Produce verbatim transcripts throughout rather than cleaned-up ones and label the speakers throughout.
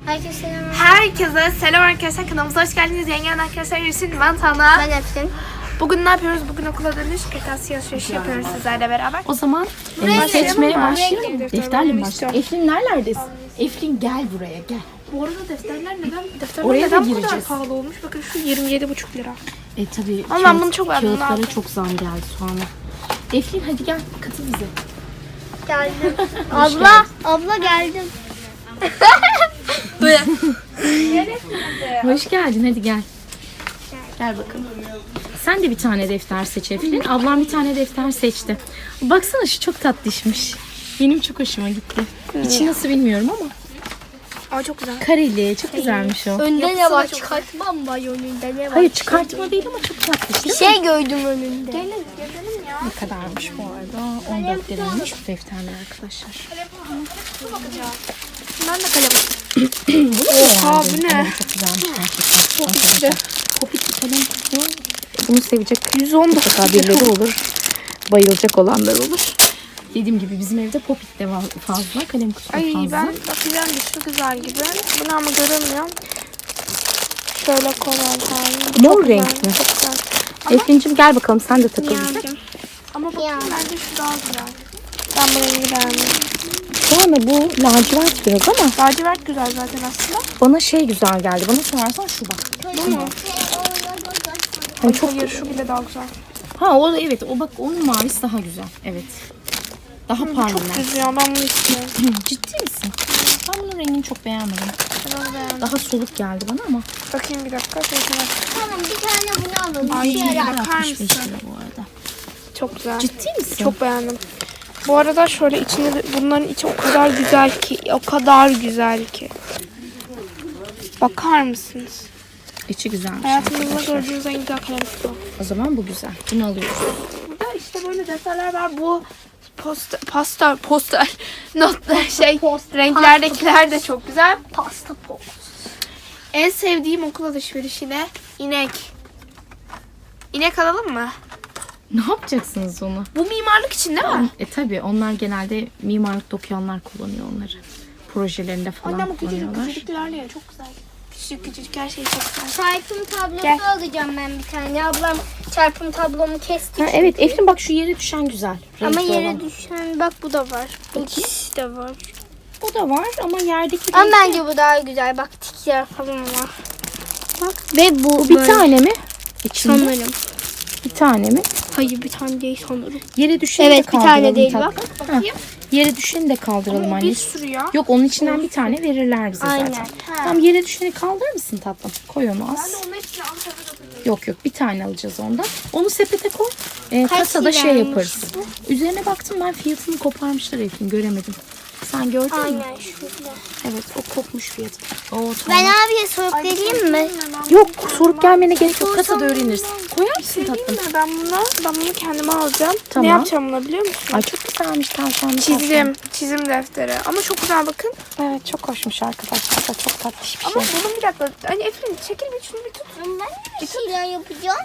Speaker 1: Herkese selam.
Speaker 2: Herkese selam arkadaşlar, kanalımıza hoş geldiniz. Yengen arkadaşlar, Yusuf, ben Tana.
Speaker 1: Ben Efsin.
Speaker 2: Bugün ne yapıyoruz? Bugün okula dönüş kırtasiye alışverişi yapıyoruz sizlerle beraber.
Speaker 3: O zaman
Speaker 2: Buraya
Speaker 3: e, seçmeye
Speaker 2: başlayalım mı?
Speaker 3: başlayalım.
Speaker 2: Defter
Speaker 3: Defterle mi
Speaker 2: almak
Speaker 3: başlayalım? Eflin nerelerdesin? Eflin gel buraya gel.
Speaker 2: Bu arada defterler neden, defterler
Speaker 3: Oraya da
Speaker 2: neden bu kadar
Speaker 3: gireceğiz.
Speaker 2: pahalı olmuş? Bakın şu yirmi yedi buçuk lira.
Speaker 3: E tabii
Speaker 2: Ama ben
Speaker 3: kağıt-
Speaker 2: bunu çok beğendim, ne
Speaker 3: kağıtlara
Speaker 2: yapayım?
Speaker 3: çok zam geldi sonra. Eflin hadi gel katıl bize.
Speaker 1: Geldim. abla, abla geldim.
Speaker 3: Hoş geldin hadi gel. Gel bakalım. Sen de bir tane defter seç Eflin. Ablam bir tane defter seçti. Baksana şu çok tatlışmış. Benim çok hoşuma gitti. İçi nasıl bilmiyorum ama.
Speaker 2: Aa, çok güzel.
Speaker 3: Kareli çok güzelmiş o.
Speaker 1: Önde ne var? Çıkartmam var önünde ne var?
Speaker 3: Hayır çıkartma değil ama çok tatlış
Speaker 1: Bir
Speaker 3: değil mi?
Speaker 1: şey gördüm önünde.
Speaker 2: Gelin, gezelim ya.
Speaker 3: Ne kadarmış bu arada? on dört liraymış bu defterler arkadaşlar.
Speaker 2: Ben de kalem.
Speaker 3: Bu ne?
Speaker 2: Aa, bu ne?
Speaker 3: Kalem çok güzelmiş gerçekten.
Speaker 2: Popitli.
Speaker 3: Popitli kalem kutu. Bunu sevecek
Speaker 2: yüz on dokuz
Speaker 3: mutlaka birileri olur. Bayılacak olanlar olur. Dediğim gibi bizim evde popit de var fazla. Kalem kutusu
Speaker 2: Ay
Speaker 3: fazla.
Speaker 2: ben bakacağım bir şu güzel gibi. Bunu ama göremiyorum. Şöyle koral hali.
Speaker 3: Mor renkli.
Speaker 2: Çok güzel.
Speaker 3: Eflin'cim gel bakalım sen de takıl bize.
Speaker 2: Ama bakın
Speaker 1: Ya.
Speaker 2: bence şu daha güzel. Ben bu rengi beğendim.
Speaker 3: Yani bu lacivert biraz ama
Speaker 2: Lacivert güzel zaten aslında.
Speaker 3: bana şey güzel geldi. Bana sorarsan şu bak.
Speaker 2: Bu mu?
Speaker 3: Hani çok
Speaker 2: Hayır, şu bile daha güzel.
Speaker 3: Ha o da evet o bak onun mavisi daha güzel. Evet. Daha parlak.
Speaker 2: Çok düz ya, ben bunu istiyorum.
Speaker 3: Ciddi misin? Ben bunun rengini çok beğenmedim.
Speaker 2: Ben onu beğendim.
Speaker 3: Daha soluk geldi bana ama.
Speaker 2: Bakayım bir dakika. Şöyle.
Speaker 1: Tamam bir tane bunu alalım.
Speaker 2: Ay,
Speaker 1: Bir yere
Speaker 2: bakar
Speaker 3: altmış beş
Speaker 2: mısın?
Speaker 3: lira bu arada.
Speaker 2: Çok güzel.
Speaker 3: Ciddi misin?
Speaker 2: Çok beğendim. Bu arada şöyle içinde de- bunların içi o kadar güzel ki, o kadar güzel ki. Bakar mısınız?
Speaker 3: İçi güzelmiş
Speaker 2: Hayatımızda
Speaker 3: arkadaşlar.
Speaker 2: gördüğünüz en güzel kalem kutu.
Speaker 3: O zaman bu güzel. Bunu alıyoruz.
Speaker 2: Burada işte böyle defterler var. Bu poster, poster, poster, notlar şey, renklerdekiler de çok güzel.
Speaker 1: Pasta pop.
Speaker 2: En sevdiğim okul alışverişi ne? İnek. İnek alalım mı?
Speaker 3: Ne yapacaksınız onu?
Speaker 2: Bu mimarlık için değil mi?
Speaker 3: E tabi onlar genelde mimarlıkta okuyanlar kullanıyor onları. Projelerinde falan
Speaker 2: Annem o küçücük
Speaker 3: kullanıyorlar.
Speaker 2: küçücüklerle ya, çok güzel. Küçücük küçücük her şey çok güzel.
Speaker 1: Çarpım tablosu
Speaker 2: Gel.
Speaker 1: alacağım ben bir tane. Ablam çarpım tablomu kesti.
Speaker 3: Ha, evet Eflin bak şu yere düşen güzel.
Speaker 1: Ama
Speaker 3: renkli
Speaker 1: yere
Speaker 3: olan.
Speaker 1: düşen bak bu da var. Bu
Speaker 3: Bakayım.
Speaker 1: ikisi de var.
Speaker 3: O da var ama yerdeki
Speaker 1: Ama
Speaker 3: renkli-
Speaker 1: bence bu daha güzel. Bak tikler falan var. Bak. Ve bu
Speaker 3: Bu bir
Speaker 1: böyle.
Speaker 3: tane mi? İçinde
Speaker 1: Sanırım.
Speaker 3: bir tane mi?
Speaker 1: Hayır bir tane değil sanırım.
Speaker 3: Yere düşeni
Speaker 1: Evet,
Speaker 3: de
Speaker 1: bir tane
Speaker 3: kaldıralım
Speaker 1: değil,
Speaker 3: tatlım.
Speaker 1: bak.
Speaker 3: Ha, Yere düşeni de kaldıralım
Speaker 2: Ama
Speaker 3: anne.
Speaker 2: bir sürü ya.
Speaker 3: Yok onun içinden bir tane verirler bize
Speaker 1: Aynen.
Speaker 3: zaten. Tamam yere düşeni kaldırır mısın tatlım? Koy onu az.
Speaker 2: Onun hepsini Ankara'da
Speaker 3: Yok yok bir tane alacağız ondan. Onu sepete koy. Ee,
Speaker 1: Kaç
Speaker 3: kasada şey
Speaker 1: liraymış
Speaker 3: yaparız. Üzerine baktım ben fiyatını koparmışlar Eflin göremedim. Sen gördün mü?
Speaker 1: Aynen şurada.
Speaker 3: Evet o kopmuş fiyatı. Oo, tamam.
Speaker 1: Ben abiye sorup geleyim mi?
Speaker 3: Yok sorup gelmene gerek yok kasada öğreniriz. Koyar mısın tatlım?
Speaker 2: Değil mi? Ben bunu, ben bunu kendime alacağım.
Speaker 3: Tamam.
Speaker 2: Ne yapacağım bunu biliyor musun?
Speaker 3: Ay çok güzelmiş tavşanlı
Speaker 2: Çizim, çizim defteri. Ama çok güzel bakın.
Speaker 3: tatlım. Evet çok hoşmuş arkadaşlar da çok tatlış bir
Speaker 2: Ama
Speaker 3: şey.
Speaker 2: bunun bir dakika. Hani Efrin çekil bir şunu bir tut.
Speaker 1: Ben bir şeyler yapacağım.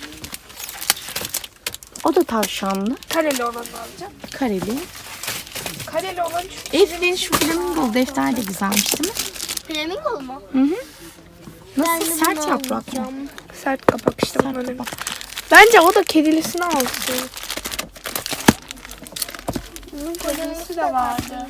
Speaker 3: O da tavşanlı.
Speaker 2: Kareli olanı alacağım.
Speaker 3: Kareli.
Speaker 2: Kareli olan şu.
Speaker 3: Eflin şu flamingo defter de güzelmiş değil mi?
Speaker 1: Flamingo mu?
Speaker 3: Hı hı. Nasıl
Speaker 1: Ben de bunu
Speaker 3: sert yaprak mı?
Speaker 2: Alacağım. Sert kapak işte
Speaker 3: Sert
Speaker 2: bunların.
Speaker 3: kapak.
Speaker 2: Bence o da kedilisini alsın. Bunun kedilisi de vardı.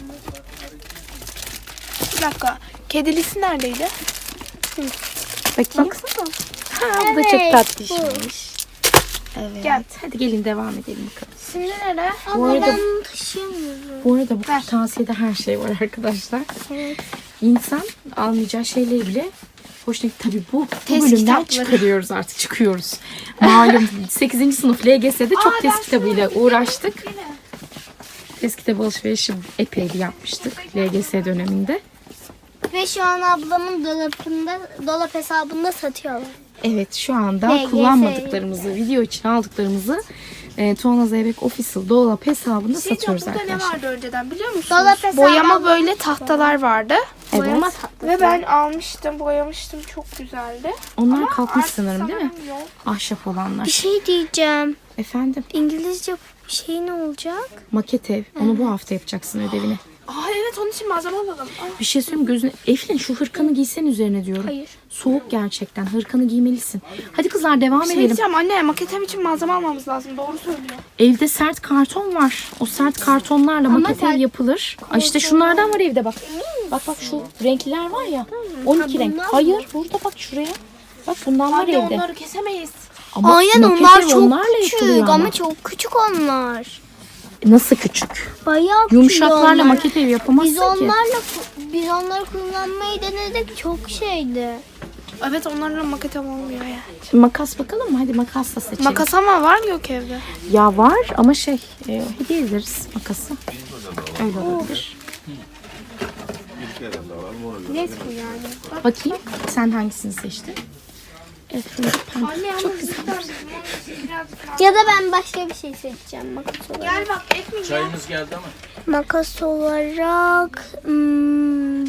Speaker 2: Bir dakika. Kedilisi neredeydi?
Speaker 3: Bakayım.
Speaker 2: Baksana.
Speaker 3: Ha, bu da
Speaker 1: Evet,
Speaker 3: çok tatlışmış. Evet.
Speaker 2: Gel.
Speaker 3: Hadi gelin devam edelim bakalım.
Speaker 2: Şimdi nere?
Speaker 3: Bu
Speaker 1: Ama
Speaker 3: arada
Speaker 1: ben bunu taşıyamıyorum.
Speaker 3: bu arada bu kırtasiyede her şey var arkadaşlar.
Speaker 1: Evet.
Speaker 3: İnsan almayacağı şeyleri bile hoşuna tabii bu, bu
Speaker 2: Test
Speaker 3: bölümden
Speaker 2: kitapları.
Speaker 3: çıkarıyoruz artık çıkıyoruz. Malum sekizinci sınıf L G S'de çok
Speaker 2: Aa,
Speaker 3: test
Speaker 2: ben
Speaker 3: kitabıyla
Speaker 2: şunu
Speaker 3: uğraştık. Test kitabı alışverişi epey bir yapmıştık L G S döneminde.
Speaker 1: Ve şu an ablamın dolapında, dolap hesabında satıyorlar.
Speaker 3: Evet şu anda
Speaker 1: L G S
Speaker 3: kullanmadıklarımızı, video için aldıklarımızı e, Tuana Zeybek Official dolap hesabında
Speaker 2: Şey
Speaker 3: satıyoruz
Speaker 2: burada ne
Speaker 3: arkadaşlar.
Speaker 2: vardı önceden biliyor musunuz?
Speaker 1: Dolap hesabı
Speaker 2: Boyama
Speaker 1: aldım.
Speaker 2: böyle tahtalar vardı.
Speaker 3: Evet.
Speaker 1: Boyama tatlısı.
Speaker 2: Ve ben almıştım, boyamıştım. Çok güzeldi.
Speaker 3: Onlar
Speaker 2: Ama
Speaker 3: kalkmış
Speaker 2: artık
Speaker 3: sanırım değil mi?
Speaker 2: sanırım yok.
Speaker 3: Ahşap olanlar.
Speaker 1: Bir şey diyeceğim.
Speaker 3: Efendim
Speaker 1: İngilizce şey ne olacak?
Speaker 3: maket ev. Onu bu hafta yapacaksın ödevini.
Speaker 2: Aa evet, onun için malzeme alalım. Aa.
Speaker 3: Bir şey söyleyeyim gözüne. Eflin şu hırkanı giysen üzerine diyorum.
Speaker 1: Hayır.
Speaker 3: Soğuk gerçekten. Hırkanı giymelisin. Hadi kızlar devam
Speaker 2: Şey
Speaker 3: edelim.
Speaker 2: diyeceğim anne, maketem için malzeme almamız lazım. Doğru söylüyor.
Speaker 3: Evde sert karton var. O sert kartonlarla maket ev
Speaker 1: sert-
Speaker 3: yapılır. Ay işte şunlardan var evde bak. Bak bak şu renkliler var ya. on iki renk.
Speaker 1: bunlar mı?
Speaker 3: Hayır burada bak şuraya. Bak bundan var
Speaker 2: Anne
Speaker 3: evde.
Speaker 2: onları kesemeyiz.
Speaker 3: Ama
Speaker 1: Aynen
Speaker 3: maket
Speaker 1: onlar
Speaker 3: ev
Speaker 1: çok
Speaker 3: onlarla yapılıyor
Speaker 1: küçük
Speaker 3: ama.
Speaker 1: ama çok küçük onlar.
Speaker 3: Nasıl küçük?
Speaker 1: Bayağı küçük
Speaker 3: Yumuşaklarla
Speaker 1: onlar.
Speaker 3: maket ev yapamazsın
Speaker 1: Biz
Speaker 3: ki.
Speaker 1: onlarla biz onları kullanmayı denedik, çok şeydi.
Speaker 2: Evet, onlarla maketem olmuyor ya.
Speaker 3: Şimdi makas bakalım mı? Hadi makasla seçelim.
Speaker 2: Makas ama var mı yok evde?
Speaker 3: Ya var ama şey e, hediye ederiz makası. Öyle olabilir.
Speaker 2: Net mi yani?
Speaker 3: Bakayım sen hangisini seçtin? Evet, şöyle pembe.
Speaker 2: Anne ama
Speaker 3: Çok güzel.
Speaker 2: birazcık
Speaker 1: Ya da ben başka bir şey seçeceğim makas olarak.
Speaker 2: Gel bak, ekmek ya.
Speaker 4: Çayımız geldi ama.
Speaker 1: Makas olarak hmm,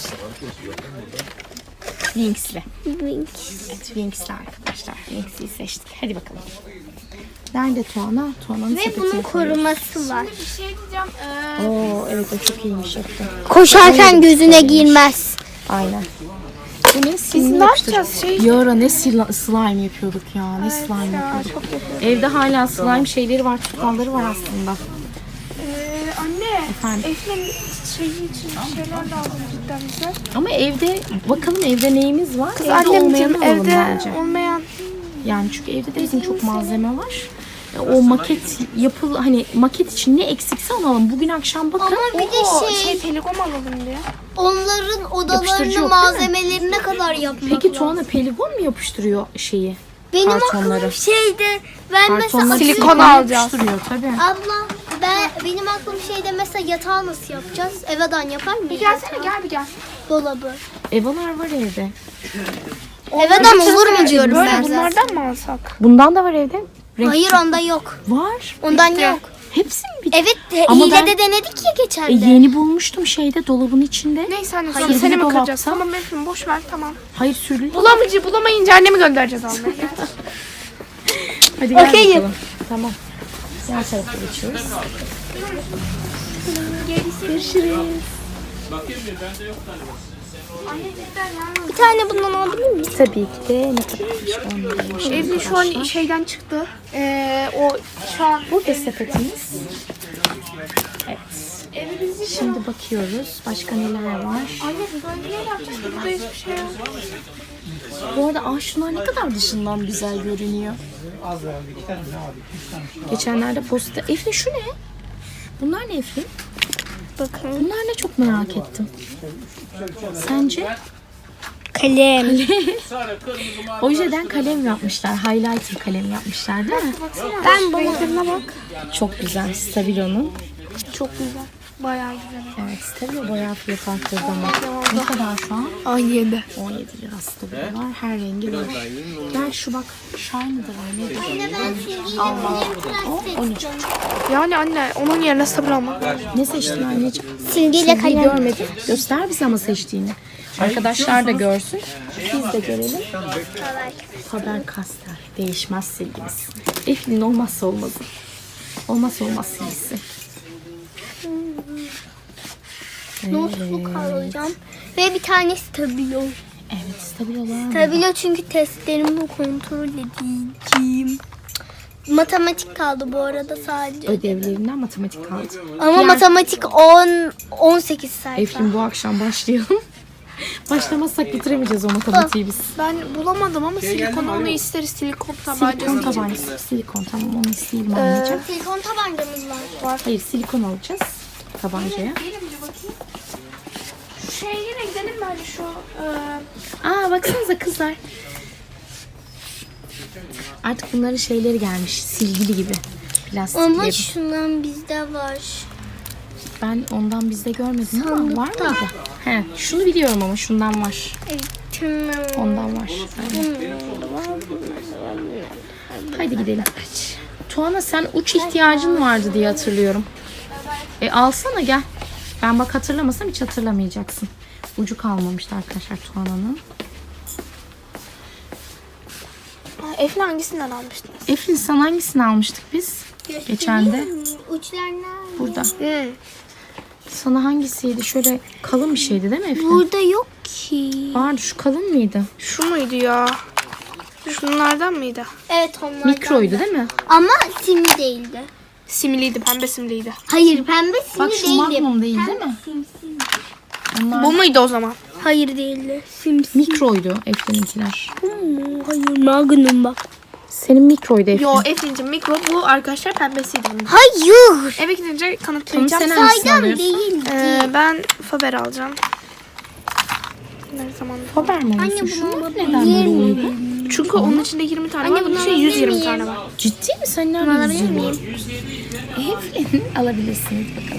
Speaker 3: Winx'li.
Speaker 1: Winx.
Speaker 3: Evet, Winx'li arkadaşlar. Winx'i seçtik. Hadi bakalım. Nerede Tuana? Tuana'nın
Speaker 1: Ve
Speaker 3: sepetine
Speaker 1: bunun
Speaker 3: koyuyoruz.
Speaker 1: koruması var.
Speaker 2: Bir şey diyeceğim. Ee,
Speaker 3: Oo evet o çok iyiymiş yaptı.
Speaker 1: Koşarken gözüne girmez.
Speaker 3: Aynen. Bu ne?
Speaker 2: biz
Speaker 3: Simli
Speaker 2: ne
Speaker 3: yapıştır-
Speaker 2: yapacağız? Şey,
Speaker 3: Bir ara ne sila- slime yapıyorduk ya. Ne slime yapıyorduk. Evde hala slime şeyleri var, tutalları var aslında.
Speaker 2: Ee, anne,
Speaker 3: Efendim?
Speaker 2: Efe'nin şeyi için şeyler lazım cidden bize.
Speaker 3: Ama evde bakalım evde neyimiz var? Evde
Speaker 2: Annem
Speaker 3: olmayanı
Speaker 2: için
Speaker 3: alalım
Speaker 2: evde
Speaker 3: bence.
Speaker 2: olmayan.
Speaker 3: Yani çünkü evde de bizim çok malzeme var. E, O maket yapıl hani maket için ne eksikse onu alalım. Bugün akşam bakın.
Speaker 1: Ama bir
Speaker 2: Oo,
Speaker 1: de
Speaker 2: şey,
Speaker 1: şey,
Speaker 2: telekom alalım diye.
Speaker 1: onların
Speaker 3: Yapıştırıcı
Speaker 1: odalarını
Speaker 3: yok,
Speaker 1: malzemelerine kadar yapmak
Speaker 3: Peki
Speaker 1: lazım.
Speaker 3: Tuana peligon mu yapıştırıyor şeyi?
Speaker 1: Benim
Speaker 3: kartonları.
Speaker 1: aklım şeyde, ben
Speaker 3: Kartonları
Speaker 1: mesela
Speaker 2: Silikon
Speaker 3: silikon
Speaker 2: alacağız.
Speaker 3: yapıştırıyor tabii.
Speaker 1: abla ben benim aklım şeyde mesela yatağı nasıl yapacağız? Evadan yapar mıyız?
Speaker 2: Bir gelsene,
Speaker 1: yatağı?
Speaker 2: gel bir gel.
Speaker 1: Dolabı.
Speaker 3: Evalar var evde.
Speaker 1: Evadan olur mu diyorum
Speaker 2: Böyle
Speaker 1: ben.
Speaker 2: bunlardan mı alsak?
Speaker 3: Bundan da var evde. Renk
Speaker 1: Hayır onda yok.
Speaker 3: var.
Speaker 1: Ondan
Speaker 2: Bitti.
Speaker 1: yok.
Speaker 3: Hepsi mi bitti?
Speaker 1: Evet de,
Speaker 3: Ama
Speaker 1: hilede
Speaker 3: ben-
Speaker 1: denedik ya
Speaker 3: E,
Speaker 1: geçen de.
Speaker 3: yeni bulmuştum şeyde dolabın içinde.
Speaker 2: Neyse anne,
Speaker 3: Hayır,
Speaker 2: sonra seni mi
Speaker 3: dolapta.
Speaker 2: kıracağız? Tamam Efe'm, boş ver, tamam.
Speaker 3: Hayır sürülü.
Speaker 2: Bulamayınca, bulamayınca annemi göndereceğiz almaya. Gel.
Speaker 3: Hadi gel
Speaker 1: Okey.
Speaker 3: bakalım. Tamam. Diğer tarafa geçiyoruz.
Speaker 1: Bir tane bundan alabilir miyiz?
Speaker 3: Tabii ki de ne kadarmış on
Speaker 2: Evde şu an şeyden çıktı. Ee, o şu an
Speaker 3: Burada sepetimiz. Evet. Şimdi bakıyoruz. Başka neler var?
Speaker 2: Anne böyle bir yer yapacağız. Burada hiçbir şey yok.
Speaker 3: Bu arada ah şunlar ne kadar dışından güzel görünüyor. Geçenlerde posta... Eflin şu ne? Bunlar ne Eflin?
Speaker 1: Bakın.
Speaker 3: Bunlar ne çok merak ettim. Sence?
Speaker 1: Kalem.
Speaker 3: Ojeden kalem yapmışlar. Highlighter kalem yapmışlar değil mi?
Speaker 1: Ben bunu bak.
Speaker 3: Çok güzel. Stabilo'nun.
Speaker 2: Çok güzel. Bayağı güzel.
Speaker 3: Evet Stabilo bayağı fiyat arttırdı ama. Ne kadar şu an?
Speaker 2: Ay yedi.
Speaker 3: on yedi lira Stabilo var. Her rengi var. Gel şu bak. Shiny'dır o nedir?
Speaker 1: Anne ben silgiyle kalem
Speaker 3: on üç.
Speaker 2: Yani anne onun yerine sabır almak.
Speaker 3: Ne seçtin anneciğim?
Speaker 1: Silgiyle
Speaker 3: Silgiyi
Speaker 1: kalem.
Speaker 3: görmedim. Göster bize ama seçtiğini. Arkadaşlar da görsün. Biz de görelim. Faber Castell. Değişmez silgimiz. Eflin olmazsa olmazı. Olmazsa olmaz silgisi.
Speaker 1: Notebook alacağım. Ve bir tane stabilo.
Speaker 3: Evet stabilolar.
Speaker 1: Stabilo çünkü testlerimi kontrol edeceğim. Matematik kaldı bu arada sadece.
Speaker 3: Ödevlerinden matematik kaldı.
Speaker 1: Ama
Speaker 3: Diğer-
Speaker 1: matematik on on sekiz sayfa.
Speaker 3: Eflin bu akşam başlayalım. Başlamazsak bitiremayeceğiz o matematiği biz.
Speaker 2: Ben bulamadım ama silikon onu isteriz. Silikon tabancası.
Speaker 3: Silikon tabancası. Silikon tamam onu isteyelim anneciğim.
Speaker 1: Silikon tabancamız var.
Speaker 3: Hayır silikon alacağız tabancaya.
Speaker 2: Gelin bir bakayım. Şu şeye yine gidelim bence şu. E,
Speaker 3: Aa baksanıza kızlar. Artık bunların şeyleri gelmiş. Silgili gibi.
Speaker 1: Ama
Speaker 3: Plastikli.
Speaker 1: şundan bizde var.
Speaker 3: Ben ondan bizde görmedim ama
Speaker 1: Sandıkta.
Speaker 3: var mıydı? He, şunu biliyorum ama şundan var.
Speaker 1: Evet, tamam.
Speaker 3: Ondan var. Aynen. Haydi gidelim. Tuana sen uç ihtiyacın vardı diye hatırlıyorum. E alsana gel. Ben bak hatırlamasam hiç hatırlamayacaksın. Ucu kalmamıştı arkadaşlar Tuana'nın.
Speaker 2: Efle hangisinden almıştınız?
Speaker 3: Eflin sen hangisini almıştık biz? Geçen de.
Speaker 1: Uçlar nerede?
Speaker 3: Burada.
Speaker 2: Hmm.
Speaker 3: Sana hangisiydi? Şöyle kalın bir şeydi değil mi Eflin?
Speaker 1: Burada yok ki.
Speaker 3: Vardı, şu kalın mıydı?
Speaker 2: Şu muydu ya? Şunlardan mıydı?
Speaker 1: Evet onlardan.
Speaker 3: Mikroydu değil mi?
Speaker 1: Ama simli değildi.
Speaker 2: Simliydi, pembe simliydi.
Speaker 1: Hayır pembe simli
Speaker 3: Bak şu
Speaker 1: değildi.
Speaker 3: Magnum değil değil mi? Onlar
Speaker 2: Bu muydu o zaman?
Speaker 1: Hayır değildi. Simli.
Speaker 3: mikroydu Eflin'inkiler.
Speaker 1: Hayır Magnum bak.
Speaker 3: Senin mikroydu Eflin.
Speaker 2: Yo Eflin'cim mikro bu arkadaşlar pembesiydi bunun.
Speaker 1: Hayır.
Speaker 2: Eve gidince
Speaker 3: Tamam,
Speaker 2: kanıtlayacağım.
Speaker 3: sen hangisini
Speaker 1: Saydam
Speaker 3: alıyorsun?
Speaker 1: değildi.
Speaker 2: Ee, ben Faber alacağım. Ne zaman?
Speaker 3: Faber mi
Speaker 1: Anne
Speaker 3: alıyorsun?
Speaker 1: bunu
Speaker 3: Şunlar
Speaker 1: alabilir
Speaker 3: neden böyle
Speaker 1: miyim?
Speaker 3: oldu?
Speaker 2: Çünkü onun içinde yirmi tane
Speaker 1: Anne,
Speaker 2: var.
Speaker 1: bunu
Speaker 2: Bunun şey
Speaker 1: alabilir
Speaker 2: yüz yirmi
Speaker 1: miyim?
Speaker 2: tane var.
Speaker 3: Ciddi mi? Sen nereden
Speaker 1: Alabilir
Speaker 3: yüzüyorsun?
Speaker 1: miyim?
Speaker 3: Eflin alabilirsiniz bakalım.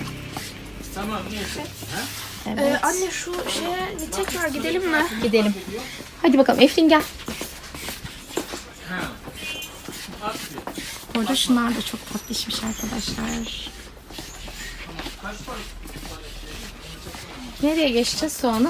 Speaker 3: Evet.
Speaker 2: Ee, anne şu şeye bir tekrar gidelim mi?
Speaker 3: Gidelim. Hadi bakalım Eflin gel. Orada şunlar da çok tatlışmış arkadaşlar. Nereye geçeceğiz sonra?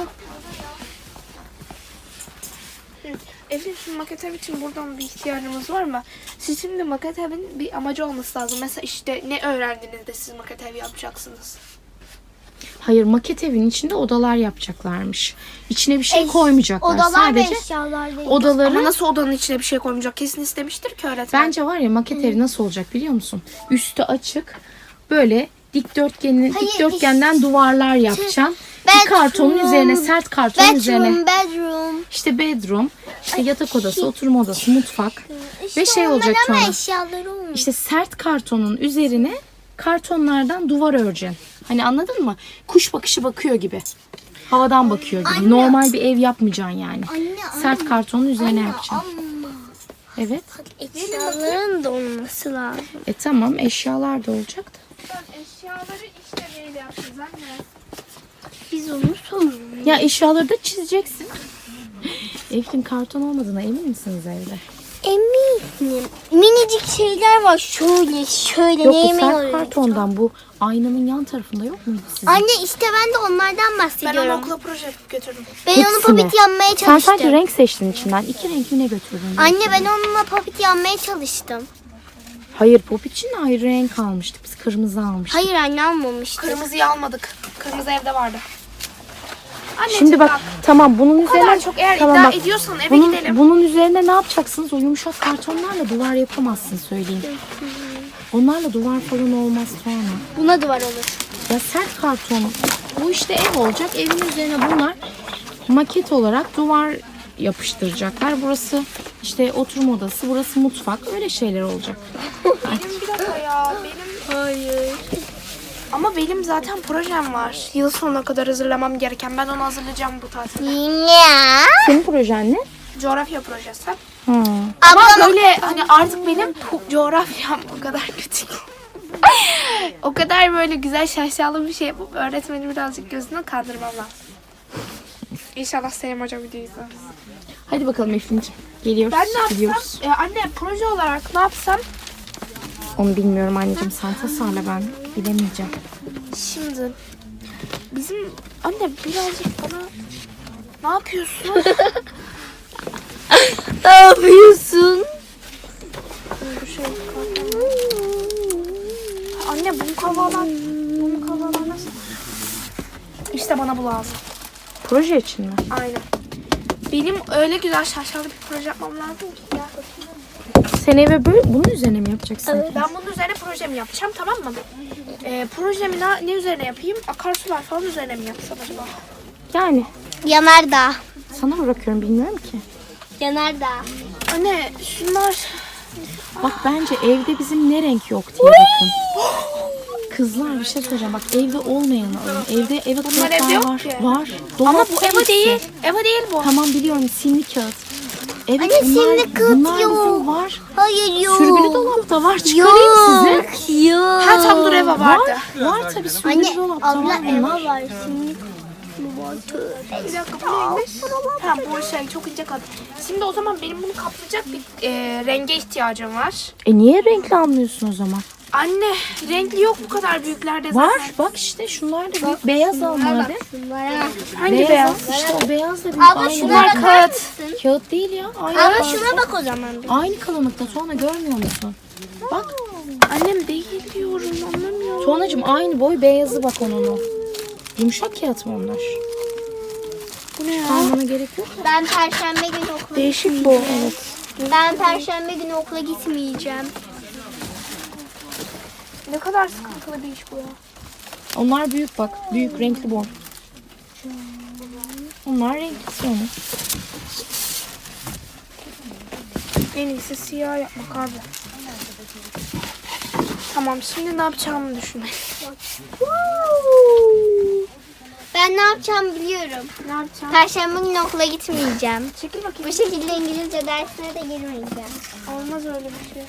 Speaker 2: Eflin şu maket ev için buradan bir ihtiyacımız var mı? Siz şimdi maket evin bir amacı olması lazım. Mesela işte ne öğrendiniz de siz maket ev yapacaksınız?
Speaker 3: Hayır, maket evin içinde odalar yapacaklarmış. İçine bir şey
Speaker 1: Eş-
Speaker 3: koymayacaklar.
Speaker 1: Odalar
Speaker 3: Sadece
Speaker 1: ve eşyalar değil.
Speaker 3: odaları.
Speaker 2: Ama nasıl odanın içine bir şey koymayacak? Kesin istemiştir ki öğretmen.
Speaker 3: Bence var ya, maket evi nasıl olacak biliyor musun? Üstü açık. Böyle dikdörtgenin
Speaker 1: Hayır,
Speaker 3: dikdörtgenden duvarlar yapacaksın. Bir
Speaker 1: Bedroom.
Speaker 3: kartonun üzerine, sert kartonun üzerine.
Speaker 1: Bedroom, bedroom.
Speaker 3: İşte bedroom, işte yatak odası, oturma odası, mutfak.
Speaker 1: İşte
Speaker 3: Ve şey
Speaker 1: onlar
Speaker 3: olacak
Speaker 1: ama
Speaker 3: sonra.
Speaker 1: eşyaları olmuş.
Speaker 3: İşte sert kartonun üzerine kartonlardan duvar öreceksin. Hani anladın mı? Kuş bakışı bakıyor gibi. Havadan bakıyor gibi.
Speaker 1: Anne.
Speaker 3: Normal bir ev yapmayacaksın yani.
Speaker 1: Anne,
Speaker 3: Sert
Speaker 1: anne.
Speaker 3: kartonun üzerine
Speaker 1: Anne,
Speaker 3: yapacaksın.
Speaker 1: ama
Speaker 3: Evet.
Speaker 1: eşyaların da olması lazım.
Speaker 3: E tamam, eşyalar da olacak da.
Speaker 2: Eşyaları işte neyle yapacağız anne?
Speaker 1: Biz onu sonra.
Speaker 3: Ya eşyaları da çizeceksin. Eflin, karton olmadığına emin misiniz evde?
Speaker 1: Eminim. Minicik şeyler var. Şöyle şöyle
Speaker 3: Yok, bu
Speaker 1: neyime
Speaker 3: sert
Speaker 1: oluyor?
Speaker 3: kartondan, bu aynanın yan tarafında yok muydu sizin?
Speaker 1: Anne işte ben de onlardan
Speaker 2: Ben onu
Speaker 1: bahsediyorum.
Speaker 2: okula proje yapıp götürdüm.
Speaker 1: Ben onu
Speaker 3: Hepsini.
Speaker 1: papit yanmaya
Speaker 3: Sen
Speaker 1: çalıştım.
Speaker 3: sadece renk seçtin içinden. İki renk mi ne götürdün?
Speaker 1: Anne ben onunla papit yanmaya çalıştım.
Speaker 3: Hayır, pop için ayrı renk almıştık. Biz kırmızı almıştık.
Speaker 1: Hayır anne almamıştı.
Speaker 2: Kırmızıyı almadık. Kırmızı evde vardı. Anneciğim
Speaker 3: Şimdi bak, tamam, bunun
Speaker 2: bu kadar
Speaker 3: üzerine
Speaker 2: çok eğer
Speaker 3: tamam,
Speaker 2: iddia
Speaker 3: bak,
Speaker 2: ediyorsan eve
Speaker 3: bunun,
Speaker 2: gidelim.
Speaker 3: bunun üzerine ne yapacaksınız? O yumuşak kartonlarla duvar yapamazsın, söyleyeyim. Onlarla duvar falan olmaz sonra.
Speaker 1: Buna duvar olur.
Speaker 3: Ya sert karton. Bu işte ev olacak. Evin üzerine bunlar maket olarak duvar yapıştıracaklar. Burası işte oturma odası, burası mutfak. Öyle şeyler olacak.
Speaker 2: Benim bir dakika ya. Benim
Speaker 1: Hayır.
Speaker 2: ama benim zaten projem var. Yıl sonuna kadar hazırlamam gereken. Ben onu hazırlayacağım bu tatilde.
Speaker 1: Ya.
Speaker 3: Senin projen ne?
Speaker 2: Coğrafya projesi.
Speaker 3: Ha.
Speaker 2: Ama
Speaker 1: Ablam
Speaker 2: böyle hani artık benim pu- coğrafyam o kadar kötü. O kadar böyle güzel şaşalı bir şey yapıp öğretmeni birazcık gözüne kandırmam lazım. İnşallah Selim Hoca videoyu izler.
Speaker 3: Hadi bakalım Eflin'ciğim. Geliyoruz.
Speaker 2: Ben ne yapsam?
Speaker 3: gidiyoruz.
Speaker 2: E, anne proje olarak ne yapsam?
Speaker 3: Onu bilmiyorum anneciğim. Sen tasarla, ben bilemeyeceğim.
Speaker 2: Şimdi bizim anne birazcık bana ne yapıyorsun?
Speaker 1: ne yapıyorsun?
Speaker 2: Bu şey, anne bu kavalar, bu kavalar nasıl? İşte bana bu lazım.
Speaker 3: Proje için mi?
Speaker 2: Aynen. Benim öyle güzel şaşalı bir proje yapmam lazım ki ya.
Speaker 3: Sen eve böyle bunun üzerine mi yapacaksın?
Speaker 2: Ben bunun üzerine projemi yapacağım, tamam mı? Ee, projemi ne, ne üzerine yapayım? Akarsular falan üzerine mi yapsam acaba?
Speaker 3: Yani
Speaker 1: Yanardağ.
Speaker 3: sana bırakıyorum, bilmiyorum ki.
Speaker 1: Yanardağ.
Speaker 2: Anne şunlar...
Speaker 3: Bak, bence evde bizim ne renk yok diye bakın. Kızlar, bir şey söyleyeceğim. Bak, evde olmayanı alın. Evde eve
Speaker 2: Bunlar
Speaker 3: kağıtlar
Speaker 2: evde yok
Speaker 3: var.
Speaker 2: ki.
Speaker 3: Var.
Speaker 2: Ama bu
Speaker 3: Dolapta
Speaker 2: Eva
Speaker 3: hepsi.
Speaker 2: değil. Eva değil bu.
Speaker 3: Tamam, biliyorum, simli kağıt. Evet,
Speaker 1: Anne,
Speaker 3: bunlar,
Speaker 1: simli kağıt
Speaker 3: bunlar
Speaker 1: yok.
Speaker 3: bizim var.
Speaker 1: Hayır yok.
Speaker 3: Sürgülü dolapta var. Çıkarayım size.
Speaker 1: Yok.
Speaker 2: Ha tam dur Eva vardı.
Speaker 3: Var, var tabii, sürgülü
Speaker 1: Anne
Speaker 3: dolapta
Speaker 1: abla
Speaker 3: var bunlar.
Speaker 1: Eva var. Şimdi bu var.
Speaker 2: Bir dakika bu neymiş? Ha bu şey çok ince kat. Şimdi o zaman benim bunu kaplayacak bir e, renge ihtiyacım var.
Speaker 3: E niye renkli almıyorsun o zaman?
Speaker 2: Anne renkli yok bu kadar büyüklerde zaten.
Speaker 3: Var. Bak işte şunlar da büyük. Beyaz al madem.
Speaker 1: Şunlara.
Speaker 2: Hangi
Speaker 3: Beyaz.
Speaker 2: beyaz?
Speaker 3: al. İşte o beyaz da büyük.
Speaker 1: Abla
Speaker 3: Aynı
Speaker 1: şunlara
Speaker 3: renk.
Speaker 1: bakar
Speaker 2: kağıt.
Speaker 1: mısın?
Speaker 3: Kağıt değil ya. Aynı
Speaker 1: Abla
Speaker 3: kalınlıkta.
Speaker 1: şuna bak o zaman. bir.
Speaker 3: Aynı kalınlıkta. Tuana, görmüyor musun? Bak.
Speaker 2: Annem değil diyorum anlamıyorum.
Speaker 3: Tuanacığım, aynı boy beyazı bak onun o. Yumuşak kağıt mı onlar?
Speaker 2: Bu ne ya?
Speaker 3: Almana gerek yok.
Speaker 1: Ben perşembe günü okula
Speaker 2: Değişik bu.
Speaker 1: gitmeyeceğim. Ben perşembe günü okula gitmeyeceğim.
Speaker 2: Ne kadar sıkıntılı bir iş bu ya.
Speaker 3: Onlar büyük bak. Büyük renkli bor. Onlar renklisi onu.
Speaker 2: En iyisi siyah yapmak abi. Tamam, şimdi ne yapacağımı düşünelim.
Speaker 1: Ben ne yapacağımı biliyorum.
Speaker 2: Ne yapacağım?
Speaker 1: Perşembe günü okula gitmeyeceğim.
Speaker 2: Çekil bakayım.
Speaker 1: Bu şekilde İngilizce dersine de girmeyeceğim.
Speaker 2: Olmaz öyle bir şey.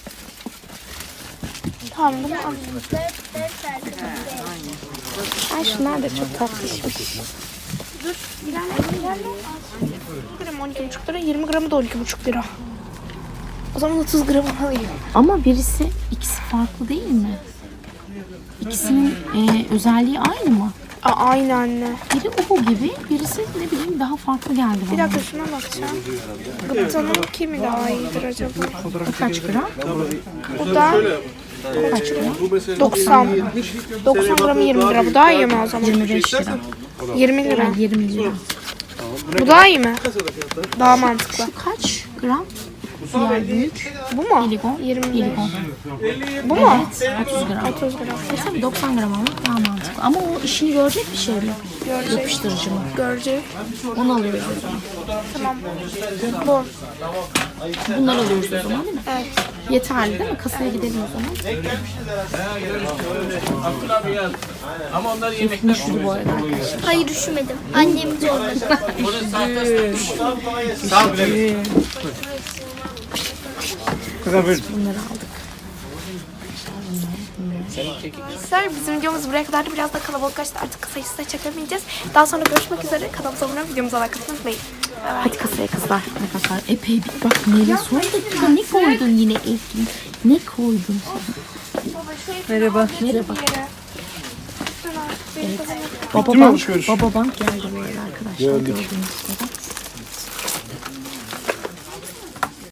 Speaker 2: Tamam, bunu al.
Speaker 1: Dört, dört arkadaşlar.
Speaker 3: Ay şunlar da çok tatlışmış.
Speaker 2: Dur, ilerle, ilerle. Gram on iki buçuk lira, yirmi gramı da on iki buçuk lira. O zaman otuz gram alayım.
Speaker 3: Ama birisi ikisi farklı değil mi? İkisinin e, özelliği aynı mı?
Speaker 2: Aa, aynı anne.
Speaker 3: Biri uhu gibi, birisi ne bileyim daha farklı geldi
Speaker 2: Bir
Speaker 3: bana.
Speaker 2: dakika şuna bakacağım. Gıptanın kimi daha iyidir acaba?
Speaker 3: Bu kaç gram?
Speaker 2: Bu da
Speaker 3: Kaç gram?
Speaker 2: doksan. doksan gramı yirmi lira. Bu daha iyi mi o zaman?
Speaker 3: yirmi beş lira.
Speaker 2: yirmi lira.
Speaker 3: yirmi lira.
Speaker 2: Bu daha iyi mi? Daha mantıklı.
Speaker 3: Şu kaç gram? Diğer büyük.
Speaker 2: Bu mu?
Speaker 3: Biligon.
Speaker 2: yirmi
Speaker 3: Biligon.
Speaker 2: Bu mu?
Speaker 3: Evet, otuz gram.
Speaker 2: otuz gram.
Speaker 3: E tabii doksan gram almak daha mantıklı. Ama o işini görecek bir şey mi?
Speaker 2: Görecek.
Speaker 3: Yapıştırıcı mı?
Speaker 2: Görecek.
Speaker 3: Onu alıyoruz o zaman.
Speaker 2: Tamam. Bu.
Speaker 3: Bunları alıyoruz o zaman değil mi?
Speaker 2: Evet.
Speaker 3: Yeterli değil mi? Kasaya gidelim o zaman.
Speaker 4: Ama onlar
Speaker 3: Üstüne üşüdü bu arada arkadaşlar.
Speaker 1: Hayır üşümedim. Annem zorladı.
Speaker 3: Bunları aldık.
Speaker 2: Arkadaşlar bizim videomuz buraya kadardı. Biraz da kalabalıklaştı. Artık kısa kısa çekemeyeceğiz. Daha sonra görüşmek üzere. Kanalımıza abone olup videomuza like atmayı unutmayın.
Speaker 3: Hadi kasaya kızlar. Arkadaşlar epey bir bak neyle sorduk ya. Ne koydun yine Eflin? Ne koydun sen? Merhaba. Merhaba. Baba bank, baba bank geldi böyle arkadaşlar gördüğünüz gibi.